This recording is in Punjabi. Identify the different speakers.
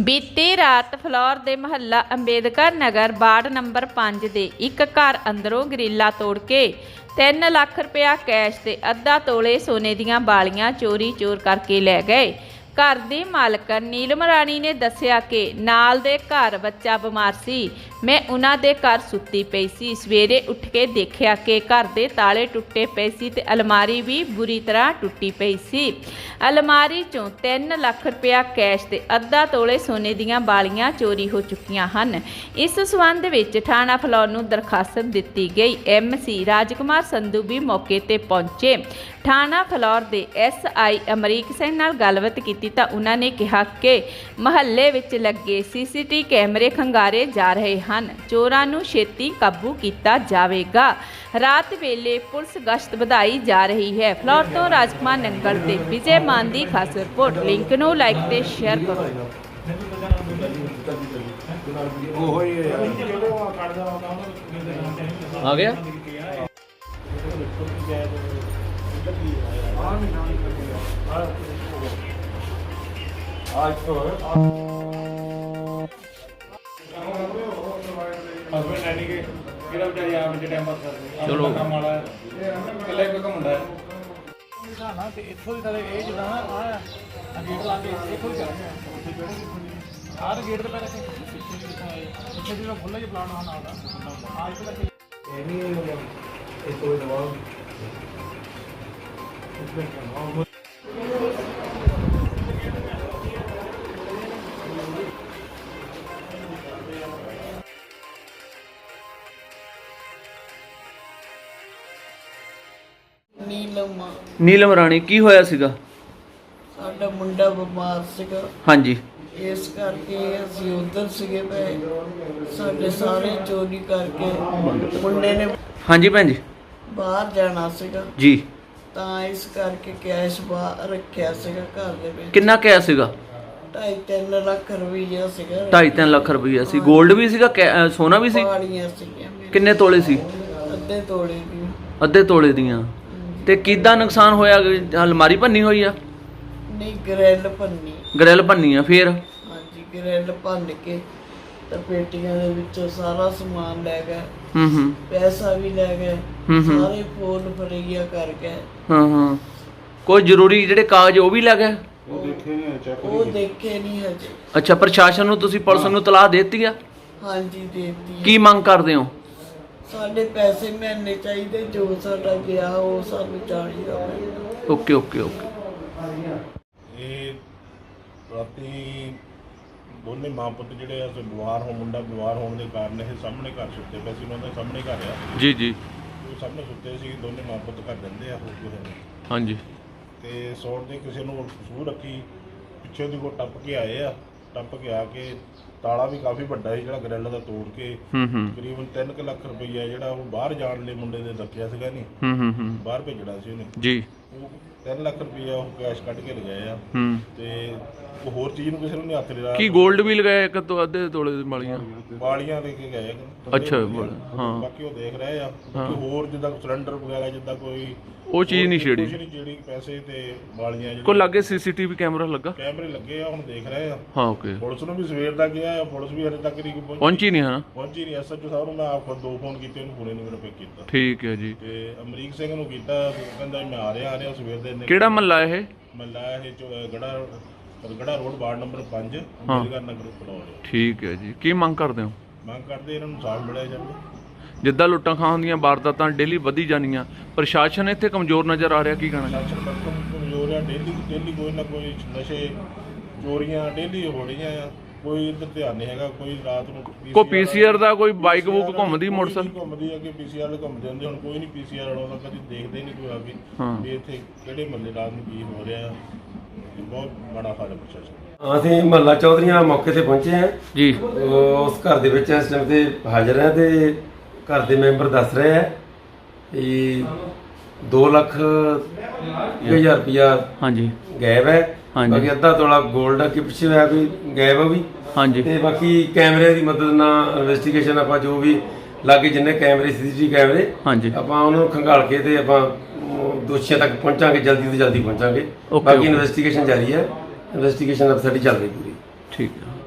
Speaker 1: ਬੀਤੀ ਰਾਤ ਫਲੌਰ ਦੇ ਮੁਹੱਲਾ ਅੰਬੇਦਕਰ ਨਗਰ ਵਾਰਡ ਨੰਬਰ 5 ਦੇ ਇੱਕ ਘਰ ਅੰਦਰੋਂ ਗਰਿੱਲਾ ਤੋੜ ਕੇ 3 ਲੱਖ ਰੁਪਇਆ ਕੈਸ਼ ਤੇ ਅੱਧਾ ਤੋਲੇ ਸੋਨੇ ਦੀਆਂ ਬਾਲੀਆਂ ਚੋਰ ਕਰਕੇ ਲੈ ਗਏ। ਘਰ ਦੀ ਮਾਲਕ ਨੀਲਮ ਰਾਣੀ ਨੇ ਦੱਸਿਆ ਕਿ ਨਾਲ ਦੇ ਘਰ ਬੱਚਾ ਬਿਮਾਰ ਸੀ। ਮੈਂ ਉਹਨਾਂ ਦੇ ਘਰ ਸੁੱਤੀ ਪਈ ਸੀ। ਸਵੇਰੇ ਉੱਠ ਕੇ ਦੇਖਿਆ ਕਿ ਘਰ ਦੇ ਤਾਲੇ ਟੁੱਟੇ ਪਏ ਸੀ ਤੇ ਅਲਮਾਰੀ ਵੀ ਬੁਰੀ ਤਰ੍ਹਾਂ ਟੁੱਟੀ ਪਈ ਸੀ। ਅਲਮਾਰੀ ਚੋਂ 3 ਲੱਖ ਰੁਪਇਆ ਕੈਸ਼ ਤੇ ਅੱਧਾ ਤੋਲੇ ਸੋਨੇ ਦੀਆਂ ਬਾਲੀਆਂ ਚੋਰੀ ਹੋ ਚੁੱਕੀਆਂ ਹਨ। ਇਸ ਸਬੰਧ ਵਿੱਚ ਥਾਣਾ ਫਲੌਰ ਨੂੰ ਦਰਖਾਸਤ ਦਿੱਤੀ ਗਈ। MC ਰਾਜਕੁਮਾਰ ਸੰਧੂ ਵੀ ਮੌਕੇ ਤੇ ਪਹੁੰਚੇ। ਥਾਣਾ ਫਲੌਰ ਦੇ SI ਅਮਰੀਕ ਸਿੰਘ ਨਾਲ ਗੱਲਬਾਤ ਕੀਤੀ ਤਾਂ ਉਹਨਾਂ ਨੇ ਕਿਹਾ ਕਿ ਮਹੱਲੇ ਵਿੱਚ ਲੱਗੇ CCTV ਕੈਮਰੇ ਖੰਗਾਰੇ ਜਾ ਰਹੇ ਹਨ। ਚੋਰਾਂ ਨੂੰ ਛੇਤੀ ਕਾਬੂ ਕੀਤਾ ਜਾਵੇਗਾ। ਰਾਤ ਵੇਲੇ ਪੁਲਿਸ ਗਸ਼ਤ ਵਧਾਈ ਜਾ ਰਹੀ ਹੈ। ਫਲੌਰ ਤੋਂ ਰਾਜਕੁਮਾਰ ਨੰਗਲ ਤੇ ਵਿਜੇ ਮਾਨ ਦੀ ਖਾਸ ਰਿਪੋਰਟ। ਲਿੰਕ ਨੂੰ ਲਾਈਕ ਤੇ ਸ਼ੇਅਰ ਕਰੋ।
Speaker 2: ਆ ਗਿਆ आज तो हस्बैंड है नहीं के किरा बेचारी आ मुझे टाइम पास कर रही चलो काम वाला कल्ले कोई काम ਹੁੰਦਾ ਹੈ ਨਾ ਤੇ ਇੱਥੋਂ ਦੀ ਤਾਂ ਇਹ ਜਿਹੜਾ ਨਾ ਆ ਗੇਟ ਲਾ ਕੇ ਇੱਥੋਂ ਹੀ ਕਰਾਂਗੇ ਆਹ ਗੇਟ ਤੇ ਪਹਿਲਾਂ ਇੱਥੇ ਜਿਹੜਾ ਖੁੱਲਾ ਜਿਹਾ ਪਲਾਨ ਹੋਣਾ ਨਾਲ ਆ ਇੱਥੇ ਤੱਕ ਇਹ ਨਹੀਂ ਇਹ ਕੋਈ ਦਵਾ
Speaker 3: ਨੀਲਮ ਰਾਣੀ ਕੀ ਹੋਇਆ ਸੀਗਾ?
Speaker 4: ਸਾਡਾ ਮੁੰਡਾ ਬਿਮਾਰ ਸੀਗਾ।
Speaker 3: ਹਾਂਜੀ,
Speaker 4: ਇਸ ਕਰਕੇ ਅਸੀਂ ਉਧਰ ਸੀਗੇ ਪਏ। ਸਾਡੇ ਸਾਰੇ ਚੋਰੀ ਕਰਕੇ ਮੁੰਡੇ ਨੇ
Speaker 3: ਹਾਂਜੀ ਭੈਣ ਜੀ
Speaker 4: ਬਾਹਰ ਜਾਣਾ ਸੀਗਾ
Speaker 3: ਜੀ,
Speaker 4: ਤਾਂ ਇਸ ਕਰਕੇ ਕੈਸ਼ ਬਾਹਰ ਰੱਖਿਆ ਸੀਗਾ ਘਰ ਦੇ ਵਿੱਚ।
Speaker 3: ਕਿੰਨਾ ਕਿਆ ਸੀਗਾ?
Speaker 4: 2.5-3 ਲੱਖ ਰੁਪਈਆ ਸੀਗਾ।
Speaker 3: 2.5-3 ਲੱਖ ਰੁਪਈਆ ਸੀ। 골ਡ ਵੀ ਸੀਗਾ, ਸੋਨਾ ਵੀ ਸੀ?
Speaker 4: ਬਾਲੀਆਂ ਸੀਗੀਆਂ ਮੇਰੇ।
Speaker 3: ਕਿੰਨੇ ਤੋਲੇ ਸੀ?
Speaker 4: ਅੱਧੇ ਤੋਲੇ ਦੀ।
Speaker 3: ਅੱਧੇ ਤੋਲੇ ਦੀਆਂ। ਤੇ ਕਿੱਦਾਂ ਨੁਕਸਾਨ ਹੋਇਆ? ਅਲਮਾਰੀ ਭੰਨੀ ਹੋਈ ਆ?
Speaker 4: ਨਹੀਂ, ਗ੍ਰਿਲ ਭੰਨੀ।
Speaker 3: ਗ੍ਰਿਲ ਭੰਨੀ ਆ? ਫੇਰ?
Speaker 4: ਹਾਂਜੀ, ਗ੍ਰਿਲ ਭੰਨ ਕੇ ਤੇ ਪੇਟੀਆਂ ਦੇ ਵਿੱਚੋਂ ਸਾਰਾ ਸਮਾਨ ਲੈ ਗਏ। ਪੈਸਾ ਵੀ ਲੈ ਗਏ। ਸਾਰੇ ਫੋਨ ਫੜਿਆ ਕਰ ਗਏ।
Speaker 3: ਕੋਈ ਜ਼ਰੂਰੀ ਜਿਹੜੇ ਕਾਗਜ਼ ਉਹ ਵੀ ਲੈ ਗਏ?
Speaker 4: ਉਹ ਦੇਖੇ ਨਹੀਂ ਹਜੇ।
Speaker 3: ਅੱਛਾ, ਪ੍ਰਸ਼ਾਸਨ ਨੂੰ ਤੁਸੀਂ ਪੁਲਿਸ ਨੂੰ ਤਲਾਹ ਦੇ ਦਿੱਤੀ ਆ?
Speaker 4: ਹਾਂਜੀ, ਦੇਤੀ।
Speaker 3: ਕੀ ਮੰਗ ਕਰਦੇ ਹੋ?
Speaker 4: ਸਾਡੇ ਪੈਸੇ ਮਿਲਣੇ ਚਾਹੀਦੇ, ਜੋ ਸਾਡਾ ਗਿਆ ਉਹ ਸਾਨੂੰ ਚਾਹੀਦਾ।
Speaker 3: Okay okay okay.
Speaker 5: ਇਹ ਰਾਤੀ ਦੋਨੇ ਮਾਂ ਪੁੱਤ ਜਿਹੜੇ ਆ ਬਿਮਾਰ ਹੋ, ਮੁੰਡਾ ਬਿਮਾਰ ਹੋਣ ਦੇ ਕਾਰਨ ਇਹ ਸਾਹਮਣੇ ਘਰ ਸੁੱਤੇ ਪਏ ਸੀ। ਉਹਨਾਂ ਦੇ ਸਾਹਮਣੇ ਘਰ ਆ
Speaker 3: ਜੀ ਜੀ,
Speaker 5: ਉਹ ਸਾਹਮਣੇ ਸੁੱਤੇ ਸੀ। ਦੋਨੇ ਮਾਂ ਪੁੱਤ ਘਰ ਰਹਿੰਦੇ ਆ, ਹੋਰ ਕਿਸੇ ਨੇ। ਹਾਂਜੀ। ਤੇ ਸੌਣ ਦੀ ਕਿਸੇ ਨੂੰ ਸੂਹ ਰੱਖੀ, ਪਿੱਛੇ ਦੀ ਕੋ ਟੱਪ ਕੇ ਆਏ ਆ। ਟੱਪ ਕੇ ਆ ਕੇ ਤਾਲਾ ਵੀ ਕਾਫੀ ਵੱਡਾ ਸੀ ਜਿਹੜਾ ਗ੍ਰਿਲ ਦਾ ਤੋੜ ਕੇ ਤਕਰੀਬਨ 3 ਲੱਖ ਰੁਪਈਆ ਜਿਹੜਾ ਉਹ ਬਾਹਰ ਜਾਣ ਲਈ ਮੁੰਡੇ ਦੇ ਦੱਸਿਆ ਸੀਗਾ ਨਹੀਂ, ਬਾਹਰ ਭੇਜਣਾ ਸੀ ਉਹਨੇ ਜੀ। ਉਹ 3 ਲੱਖ ਰੁਪਈਆ ਉਹ ਕੈਸ਼ ਕੱਢ ਕੇ ਲਗਾਏ ਆ। ਤੇ ਉਹ ਹੋਰ ਚੀਜ਼ ਨੂੰ ਕਿਸੇ ਨੂੰ ਨਹੀਂ ਹੱਥ ਲਿਆ।
Speaker 3: ਕੀ 골ਡ ਵੀ ਲਗਾਇਆ? ਇੱਕ ਤੋਂ ਅੱਧੇ ਤੋਲੇ ਦੀ
Speaker 5: ਬਾਲੀਆਂ ਲੈ ਕੇ ਗਏ।
Speaker 3: ਅੱਛਾ,
Speaker 5: ਹਾਂ। ਬਾਕੀ ਉਹ ਦੇਖ ਰਹੇ ਆ ਕਿ ਹੋਰ ਜਿੱਦਾਂ ਸਿਲੰਡਰ ਵਗੈਰਾ ਜਿੱਦਾਂ ਕੋਈ
Speaker 3: ਉਹ ਚੀਜ਼ ਨਹੀਂ ਛੇੜੀ।
Speaker 5: ਜਿਹੜੀ ਪੈਸੇ ਤੇ ਬਾਲੀਆਂ
Speaker 3: ਕੋਈ ਲੱਗੇ CCTV ਕੈਮਰਾ ਲੱਗਾ?
Speaker 5: ਕੈਮਰੇ ਲੱਗੇ ਆ, ਹੁਣ ਦੇਖ ਰਹੇ ਆ।
Speaker 3: ਹਾਂ, ਓਕੇ।
Speaker 5: ਪੁਲਿਸ ਨੂੰ ਵੀ ਸਵੇਰ ਦਾ ਗਿਆ ਆ, ਪੁਲਿਸ ਵੀ ਹਜੇ ਤੱਕ ਨਹੀਂ
Speaker 3: ਪਹੁੰਚੀ ਨਹੀਂ ਹੈ?
Speaker 5: ਪਹੁੰਚੀ ਨਹੀਂ। SHO ਸਾਹਿਬ ਨੂੰ ਮੈਂ ਆਪ ਖੁਦ 2 ਫੋਨ ਕੀਤੇ, ਉਹਨੂੰ ਪੂਰੇ ਨਹੀਂ ਮੈਨੂੰ ਪਿਕ ਕੀਤਾ।
Speaker 3: ਠੀਕ ਹੈ ਜੀ।
Speaker 5: ਤੇ ਅਮਰੀਕ ਸਿੰਘ ਨੂੰ ਕੀਤਾ, ਕਹਿੰਦਾ ਮੈਂ ਆ ਰਿਹਾ ਸਵੇਰ ਦੇ।
Speaker 3: ਕਿਹੜਾ ਮਹੱਲਾ ਇਹ?
Speaker 5: ਮਹੱਲਾ ਇਹ Garha road ward number 5 Ambedkar Nagar Phillaur. ਠੀਕ
Speaker 3: ਹੈ ਜੀ। ਕੀ ਮੰਗ ਕਰਦੇ ਹੋ?
Speaker 5: ਮੰਗ ਕਰਦੇ ਇਹਨਾਂ ਨੂੰ ਸਾਥ ਮਿਲਿਆ ਜਾਵੇ।
Speaker 3: ਜਿੱਦਾਂ ਲੁੱਟਾਂ ਖਾਂ ਦੀਆਂ ਵਾਰਦਾਤਾਂ ਡੇਲੀ ਵਧੀ ਜਾਂਦੀਆਂ, ਪ੍ਰਸ਼ਾਸਨ ਇੱਥੇ ਕਮਜ਼ੋਰ ਨਜ਼ਰ ਆ ਰਿਹਾ, ਕੀ ਕਹਿਣਾ?
Speaker 5: ਕਮਜ਼ੋਰ ਆ। ਡੇਲੀ ਕੋਈ ਨਾ ਕੋਈ ਨਸ਼ੇ ਚੋਰੀਆਂ ਡੇਲੀ ਹੋ ਰਹੀਆਂ ਆ। ਕੋਈ ਇੱਧਰ ਧਿਆਨ ਨਹੀਂ ਹੈਗਾ। ਕੋਈ ਰਾਤ ਨੂੰ
Speaker 3: ਕੋਈ PCR ਦਾ ਕੋਈ ਬਾਈਕ ਬੁੱਕ ਘੁੰਮਦੀ, ਮੋਟਰਸਾਈਕਲ
Speaker 5: ਘੁੰਮਦੀ, ਅੱਗੇ PCR ਵਾਲੇ ਘੁੰਮਦੇ ਹੁੰਦੇ, ਹੁਣ ਕੋਈ ਨਹੀਂ PCR ਵਾਲਾ ਕਦੀ ਦੇਖਦੇ ਨਹੀਂ ਕੋਈ ਆ ਕੇ ਵੀ ਇੱਥੇ ਕਿਹੜੇ ਮਹੱਲੇ ਰਾਤ ਨੂੰ ਕੀ ਹੋ ਰਿਹਾ। ਬਹੁਤ ਬੜਾ ਹਾਲ ਹੈ ਪ੍ਰਸ਼ਾਸਨ।
Speaker 6: ਅਸੀਂ ਮਹੱਲਾ ਚੌਧਰੀਆਂ ਮੌਕੇ ਤੇ ਪਹੁੰਚੇ ਹਾਂ
Speaker 3: ਜੀ।
Speaker 6: ਉਸ ਘਰ ਦੇ ਵਿੱਚ ਇਸ ਟਾਈਮ ਤੇ ਹਾਜ਼ਰ ਹੈ ਤੇ ਘਰ ਦੇ ਮੈਂਬਰ ਦੱਸ ਰਹੇ ਹੈ ਕਿ 2 ਲੱਖ 1000 ਰੁਪਇਆ ਹਾਂਜੀ ਗਾਇਬ ਹੈ। ਬਾਕੀ ਅੱਧਾ ਤੋਲਾ 골ਡ ਅੱਗੇ ਪਿੱਛੇ ਹੋਇਆ ਕੋਈ ਗਾਇਬ ਆ ਵੀ। ਹਾਂਜੀ। ਤੇ ਬਾਕੀ ਕੈਮਰੇ ਦੀ ਮਦਦ ਨਾਲ ਇਨਵੈਸਟੀਗੇਸ਼ਨ ਆਪਾਂ ਜੋ ਵੀ ਲਾਗੇ ਜਿੰਨੇ ਕੈਮਰੇ CCTV ਕੈਮਰੇ ਆਪਾਂ ਉਹਨਾਂ ਨੂੰ ਖੰਗਾਲ ਕੇ ਤੇ ਆਪਾਂ ਦੋਸ਼ੀਆਂ ਤੱਕ ਪਹੁੰਚਾਂਗੇ, ਜਲਦੀ ਤੋਂ ਜਲਦੀ ਪਹੁੰਚਾਂਗੇ। ਬਾਕੀ ਇਨਵੈਸਟੀਗੇਸ਼ਨ ਜਾਰੀ ਹੈ। ਇਨਵੈਸਟੀਗੇਸ਼ਨ ਸਾਡੀ ਚੱਲ ਰਹੀ ਪੂਰੀ। ਠੀਕ ਹੈ।